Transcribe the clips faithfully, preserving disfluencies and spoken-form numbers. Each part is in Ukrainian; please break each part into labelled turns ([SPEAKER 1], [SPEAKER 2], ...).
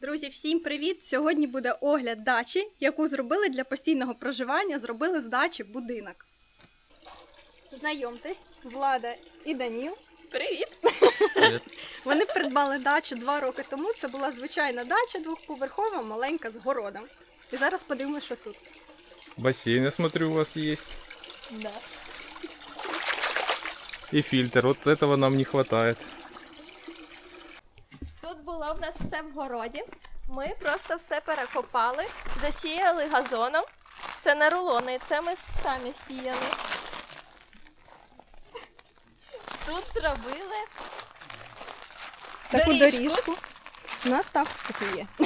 [SPEAKER 1] Друзі, всім привіт! Сьогодні буде огляд дачі, яку зробили для постійного проживання, зробили з дачі будинок. Знайомтесь, Влада і Даніл.
[SPEAKER 2] Привіт!
[SPEAKER 3] Привет.
[SPEAKER 1] Вони придбали дачу два роки тому. Це була звичайна дача, двохповерхова, маленька, з городом. І зараз подивимося, що тут.
[SPEAKER 3] Бассейн, я смотрю, у вас есть.
[SPEAKER 2] Да.
[SPEAKER 3] И фильтр. Вот этого нам не хватает.
[SPEAKER 2] Тут було в нас все в городі. Ми просто все перекопали, засіяли газоном. Це не рулони, це ми самі сіяли. Тут зробили
[SPEAKER 1] Таку
[SPEAKER 2] доріжку.
[SPEAKER 1] доріжку. У нас так таки є.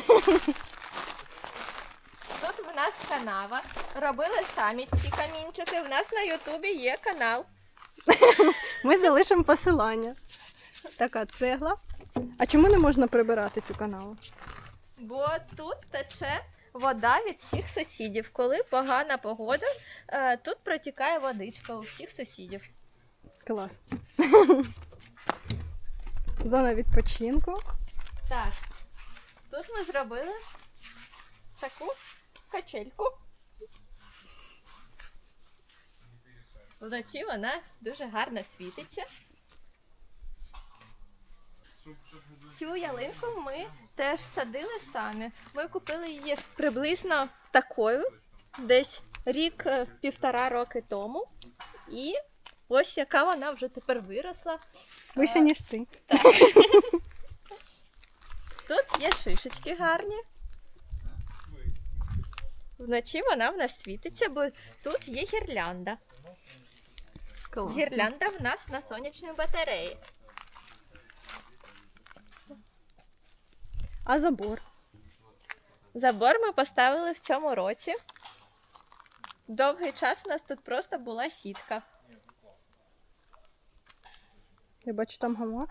[SPEAKER 2] Тут в нас канава. Робили самі ці камінчики. В нас на Ютубі є канал.
[SPEAKER 1] Ми залишимо посилання. Така цегла. А чому не можна прибирати цю канаву?
[SPEAKER 2] Бо тут тече вода від всіх сусідів. Коли погана погода, е, тут протікає водичка у всіх сусідів.
[SPEAKER 1] Клас. Зона відпочинку.
[SPEAKER 2] Так, тут ми зробили таку качельку. Вночі вона дуже гарно світиться. Цю ялинку ми теж садили самі. Ми купили її приблизно такою, десь рік-півтора роки тому. І ось яка вона вже тепер виросла.
[SPEAKER 1] Вище, ніж ти.
[SPEAKER 2] Тут є шишечки гарні. Вночі вона в нас світиться, бо тут є гірлянда.
[SPEAKER 1] Клас.
[SPEAKER 2] Гірлянда в нас на сонячній батареї.
[SPEAKER 1] А забор?
[SPEAKER 2] Забор ми поставили в цьому році. Довгий час у нас тут просто була сітка.
[SPEAKER 1] Я бачу, там гамак.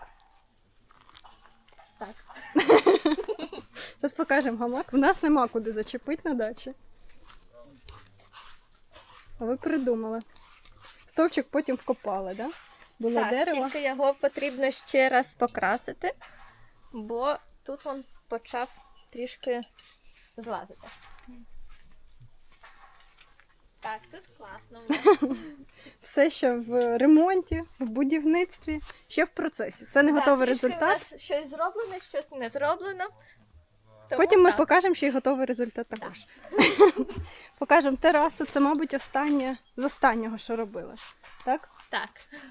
[SPEAKER 2] Так.
[SPEAKER 1] Зараз покажемо гамак. В нас нема куди зачепити на дачі. А ви придумали. Стовчик потім вкопали, да? Було
[SPEAKER 2] Так,
[SPEAKER 1] дерево.
[SPEAKER 2] тільки його потрібно ще раз покрасити, бо тут він почав трішки злазити. Так, тут класно. в нас.
[SPEAKER 1] Все ще в ремонті, в будівництві, ще в процесі. Це не
[SPEAKER 2] Так,
[SPEAKER 1] готовий
[SPEAKER 2] трішки
[SPEAKER 1] результат.
[SPEAKER 2] У нас щось зроблено, щось не зроблено. Тому
[SPEAKER 1] Потім ми
[SPEAKER 2] так.
[SPEAKER 1] покажемо, що і готовий результат також. Покажемо терасу. Це, мабуть, останнє з останнього, що робили. Так?
[SPEAKER 2] Так.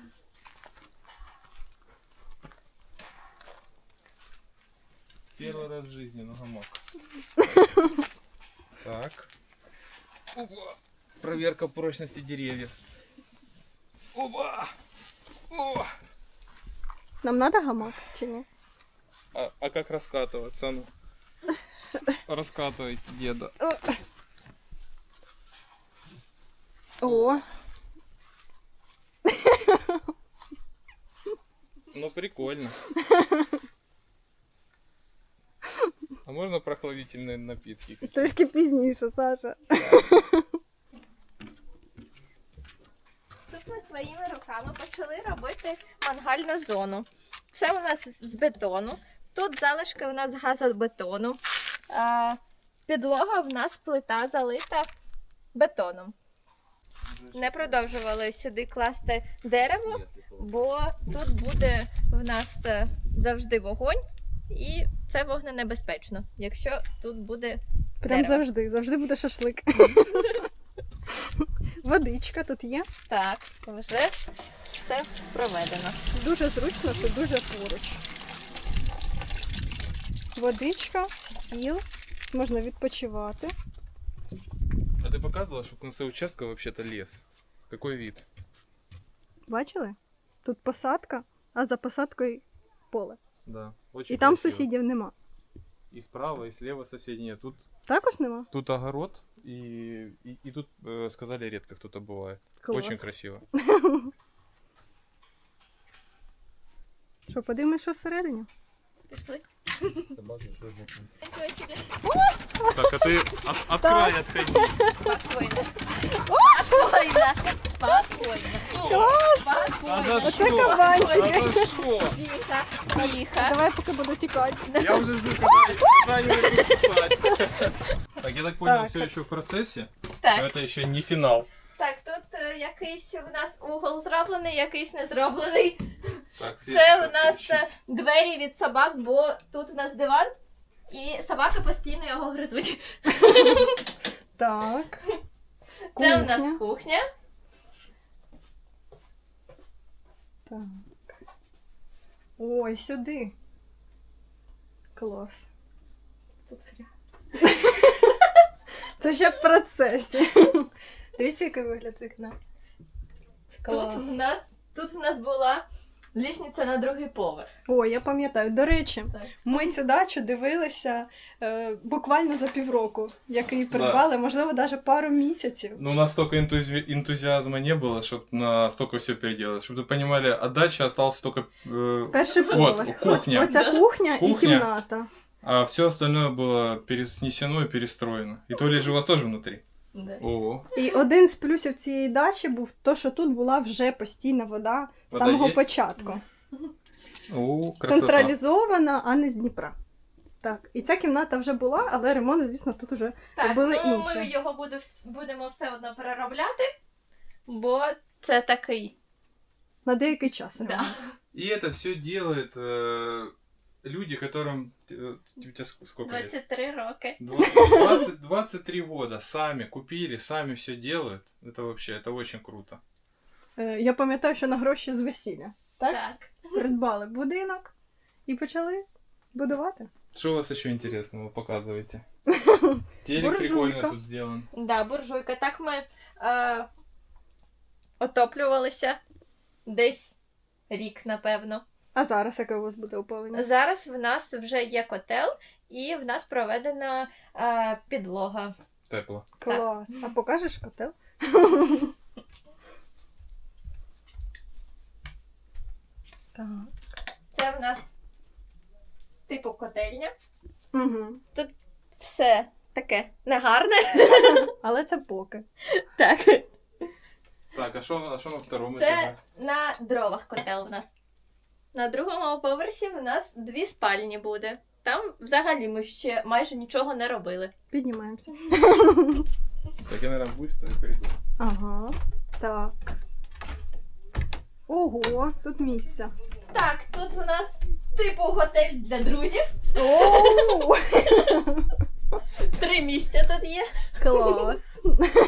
[SPEAKER 3] Первый раз в жизни на гамак. Так. Опа. Проверка прочности деревьев. Опа! О!
[SPEAKER 1] Нам треба гамак чи ні?
[SPEAKER 3] А, а как раскатываться? Ну? Раскатывайте, деда.
[SPEAKER 1] О,
[SPEAKER 3] Ну прикольно. А можно прохладительные напитки?
[SPEAKER 1] трішки пізніше, Саша.
[SPEAKER 2] Тут ми своїми руками почали робити мангальну зону. Це у нас з бетону. Тут залишки у нас газобетону. А, підлога в нас плита залита бетоном. Не продовжували сюди класти дерево, бо тут буде в нас е, завжди вогонь, і це вогненебезпечно, якщо тут буде
[SPEAKER 1] Прям
[SPEAKER 2] дерево.
[SPEAKER 1] завжди, завжди буде шашлик. Водичка тут є.
[SPEAKER 2] Так, вже все проведено.
[SPEAKER 1] Дуже зручно, що дуже поруч. Водичка, стіл, можна відпочивати.
[SPEAKER 3] А ты показывала, что в конце участка вообще-то лес? Какой вид?
[SPEAKER 1] Бачили? Тут посадка, а за посадкою поле.
[SPEAKER 3] Да, очень
[SPEAKER 1] І там
[SPEAKER 3] красиво.
[SPEAKER 1] сусідів нема.
[SPEAKER 3] И справа, и слева соседей нет. Тут,
[SPEAKER 1] Також нема?
[SPEAKER 3] тут огород, и, и, и тут, э, сказали, редко кто-то бывает.
[SPEAKER 1] Клас.
[SPEAKER 3] Очень красиво.
[SPEAKER 1] Що, подивимось, що всередині?
[SPEAKER 2] Пішли.
[SPEAKER 3] Так, а ты от, от края отходи.
[SPEAKER 2] Спокойно. Спокойно. Спокойно.
[SPEAKER 3] А за
[SPEAKER 1] Оце
[SPEAKER 3] что?
[SPEAKER 1] кабанчики.
[SPEAKER 3] А за что?
[SPEAKER 2] Тихо, тихо.
[SPEAKER 1] Давай, поки буду тікати.
[SPEAKER 3] Я уже жду, когда, когда они я так понял,
[SPEAKER 1] Так,
[SPEAKER 3] все
[SPEAKER 1] так.
[SPEAKER 3] еще в процессе.
[SPEAKER 2] Так.
[SPEAKER 3] Но это еще не финал.
[SPEAKER 2] Так, тут е, якийсь у нас угол зроблений, якийсь не зроблений.
[SPEAKER 3] Так,
[SPEAKER 2] Це у нас е, двері від собак, бо тут у нас диван, і собаки постійно його гризуть.
[SPEAKER 1] Так.
[SPEAKER 2] Це у нас
[SPEAKER 1] Кухня.
[SPEAKER 2] кухня.
[SPEAKER 1] Так. Ой, сюди. Клас.
[SPEAKER 2] Тут грязно.
[SPEAKER 1] Це ще в процесі. Дивіться, який вигляд з вікна.
[SPEAKER 2] Тут
[SPEAKER 1] Клас.
[SPEAKER 2] у нас, тут у нас була лісниця на другий поверх.
[SPEAKER 1] Ой, я пам'ятаю. До речі,
[SPEAKER 2] Так.
[SPEAKER 1] ми цю дачу дивилися е, буквально за півроку, як її придбали, можливо, навіть пару місяців.
[SPEAKER 3] Ну, у нас столько энтузи- энтузиазма не было, чтобы на столько все переделать. Чтобы вы понимали, от дачи остался только... э,
[SPEAKER 1] Перший
[SPEAKER 3] вот,
[SPEAKER 1] поверх.
[SPEAKER 3] кухня.
[SPEAKER 1] Оця кухня, і
[SPEAKER 3] Кухня.
[SPEAKER 1] кімната.
[SPEAKER 3] А все остальное было переснесено и перестроено. И туалет же у вас тоже внутри.
[SPEAKER 2] Да.
[SPEAKER 3] О,
[SPEAKER 1] І один з плюсів цієї дачі був то, що тут була вже постійна вода з
[SPEAKER 3] Вода
[SPEAKER 1] самого
[SPEAKER 3] є?
[SPEAKER 1] початку.
[SPEAKER 3] о, красота.
[SPEAKER 1] Централізована, а не з Дніпра. Так, і ця кімната вже була, але ремонт, звісно, тут вже
[SPEAKER 2] Так,
[SPEAKER 1] робили
[SPEAKER 2] ну
[SPEAKER 1] інше.
[SPEAKER 2] ми його буде, вс- будемо все одно переробляти, бо це такий.
[SPEAKER 1] На деякий час.
[SPEAKER 2] Да.
[SPEAKER 1] ремонт.
[SPEAKER 3] И это все делают э, люди, которым... э, у тебя ск- сколько лет?
[SPEAKER 2] двадцять три роки.
[SPEAKER 3] двадцать, двадцать три года сами купили, сами все делают. Это вообще, это очень круто.
[SPEAKER 1] Е, Я пам'ятаю, що на гроші з весілля. Так?
[SPEAKER 2] Так.
[SPEAKER 1] Придбали будинок і почали будувати.
[SPEAKER 3] Что у вас еще интересного показываете? Телек
[SPEAKER 1] Буржуйка.
[SPEAKER 3] прикольно тут сделан.
[SPEAKER 2] Да, буржуйка. Так ми е, отоплювалися десь рік, напевно.
[SPEAKER 1] А зараз яке у вас буде опалення?
[SPEAKER 2] Зараз в нас вже є котел, і в нас проведена е, підлога.
[SPEAKER 3] Тепло.
[SPEAKER 1] Клас. А покажеш котел? Так.
[SPEAKER 2] Це в нас типу котельня.
[SPEAKER 1] Угу.
[SPEAKER 2] Все таке негарне.
[SPEAKER 1] Але це поки.
[SPEAKER 2] Так.
[SPEAKER 3] Так, а что а шо на втором
[SPEAKER 2] Це
[SPEAKER 3] этаже?
[SPEAKER 2] на дровах котел в нас. На другому поверсі в нас дві спальні буде. Там взагалі ми ще майже нічого не робили.
[SPEAKER 1] Піднімаємося.
[SPEAKER 3] Так, я, наверное, быстро и приду.
[SPEAKER 1] Ага. Так. Ого, тут місце.
[SPEAKER 2] Так, тут у нас типу готель для друзів.
[SPEAKER 1] Оу!
[SPEAKER 2] Три місця тут є.
[SPEAKER 1] Клас.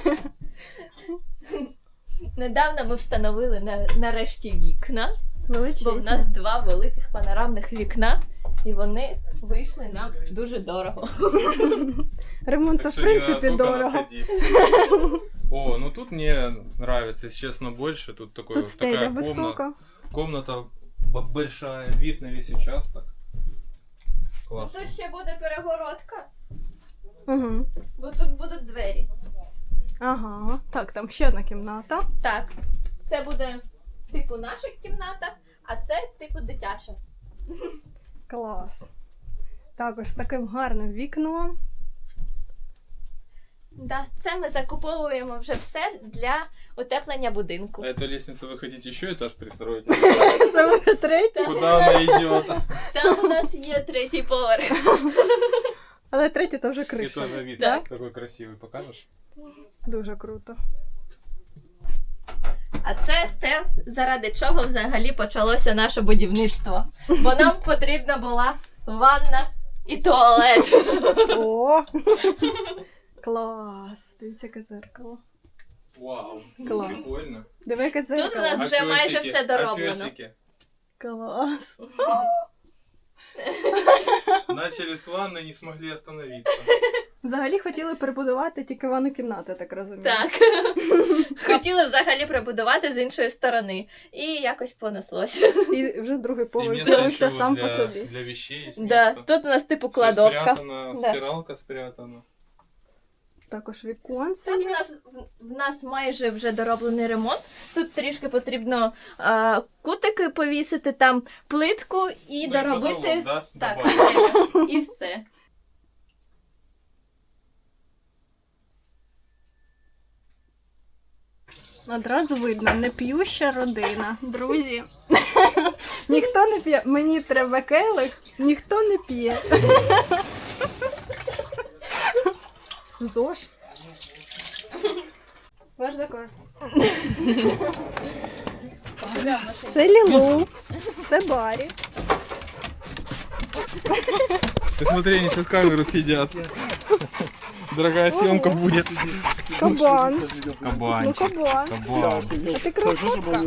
[SPEAKER 2] Недавно ми встановили на, нарешті вікна, бо в
[SPEAKER 1] Величезно.
[SPEAKER 2] нас два великих панорамних вікна, і вони вийшли нам дуже дорого.
[SPEAKER 1] Ремонт це
[SPEAKER 3] Так
[SPEAKER 1] в
[SPEAKER 3] что не надо
[SPEAKER 1] принципі
[SPEAKER 3] только
[SPEAKER 1] дорого.
[SPEAKER 3] надходить. О, ну тут мне нравится, если честно, больше. Тут такой,
[SPEAKER 1] Тут стеля
[SPEAKER 3] такая комната,
[SPEAKER 1] висока.
[SPEAKER 3] комната б- большая, вид на весь участок. Классно.
[SPEAKER 2] Тут ще буде перегородка,
[SPEAKER 1] Угу.
[SPEAKER 2] бо тут будуть двері.
[SPEAKER 1] Ага. Так, там ще одна кімната.
[SPEAKER 2] Так, це буде типу наша кімната, а це типу дитяча.
[SPEAKER 1] Клас. Також з таким гарним вікном.
[SPEAKER 2] Да, це ми закуповуємо вже все для утеплення будинку.
[SPEAKER 3] А эту лестницу вы хотите еще этаж пристроить?
[SPEAKER 1] Це буде третій.
[SPEAKER 3] Куда она идет?
[SPEAKER 2] Там у нас є третій поверх.
[SPEAKER 1] Але третій то вже
[SPEAKER 3] И
[SPEAKER 1] криша.
[SPEAKER 3] тоже вид
[SPEAKER 2] Так.
[SPEAKER 3] такой красивый. Покажешь?
[SPEAKER 1] Дуже круто.
[SPEAKER 2] А це те, заради чого взагалі почалося наше будівництво. Бо нам потрібна була ванна і туалет.
[SPEAKER 1] О! Клас! Дивіться, яке зеркало.
[SPEAKER 3] Вау.
[SPEAKER 1] Класс.
[SPEAKER 3] Прикольно.
[SPEAKER 1] Диви, яке
[SPEAKER 2] Тут у
[SPEAKER 1] дзеркало.
[SPEAKER 2] нас вже майже
[SPEAKER 3] песики?
[SPEAKER 2] все дороблено.
[SPEAKER 3] А песики?
[SPEAKER 1] Клас.
[SPEAKER 3] Начали с ванны, не смогли остановиться.
[SPEAKER 1] Взагалі хотіли перебудувати тільки ванну кімнату, я так розумію.
[SPEAKER 2] Так. Хотіли взагалі прибудувати з іншої сторони. І якось понеслося.
[SPEAKER 1] І вже другий
[SPEAKER 3] И
[SPEAKER 1] поверх
[SPEAKER 3] место
[SPEAKER 1] з'явився
[SPEAKER 3] еще
[SPEAKER 1] сам
[SPEAKER 3] для,
[SPEAKER 1] по собі.
[SPEAKER 3] для вещей есть
[SPEAKER 2] Да,
[SPEAKER 3] место.
[SPEAKER 2] тут у нас типу
[SPEAKER 3] Всё
[SPEAKER 2] кладовка.
[SPEAKER 3] спрятано,
[SPEAKER 2] Да.
[SPEAKER 3] стиралка спрятана.
[SPEAKER 1] Також віконце
[SPEAKER 2] Тут у
[SPEAKER 1] є.
[SPEAKER 2] нас в нас майже вже дороблений ремонт. Тут трішки потрібно а, кутики повісити, там плитку і
[SPEAKER 3] Ну,
[SPEAKER 2] доробити.
[SPEAKER 3] потолок, да?
[SPEAKER 2] Так,
[SPEAKER 3] Добавить.
[SPEAKER 2] стеля. І все.
[SPEAKER 1] Одразу видно, не п'юща родина. Друзі. Ніхто не п'є. Мені треба келих, ніхто не п'є.
[SPEAKER 2] ЗОЖ.
[SPEAKER 1] Ваш заказ. Це Лілу, це Барі.
[SPEAKER 3] Ты смотри, они сейчас камеру сидят. Дорогая съемка будет.
[SPEAKER 1] Кабан. Ну
[SPEAKER 3] Кабанчик.
[SPEAKER 1] кабан.
[SPEAKER 3] Кабан.
[SPEAKER 1] А ти красотка.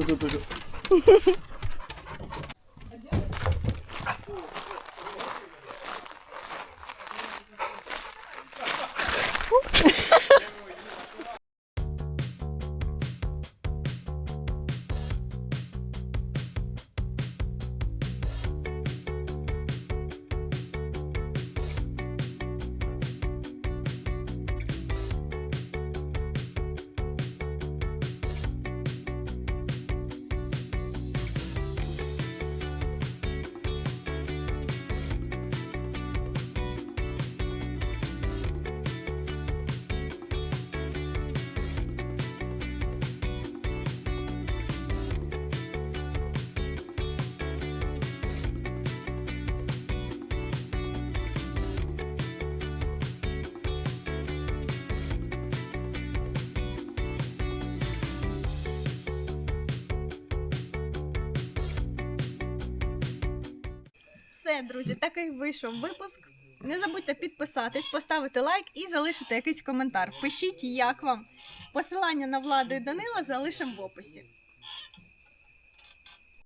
[SPEAKER 1] Все, друзі, такий вийшов випуск. Не забудьте підписатись, поставити лайк і залишити якийсь коментар. Пишіть, як вам. Посилання на Владу і Данила залишимо в описі.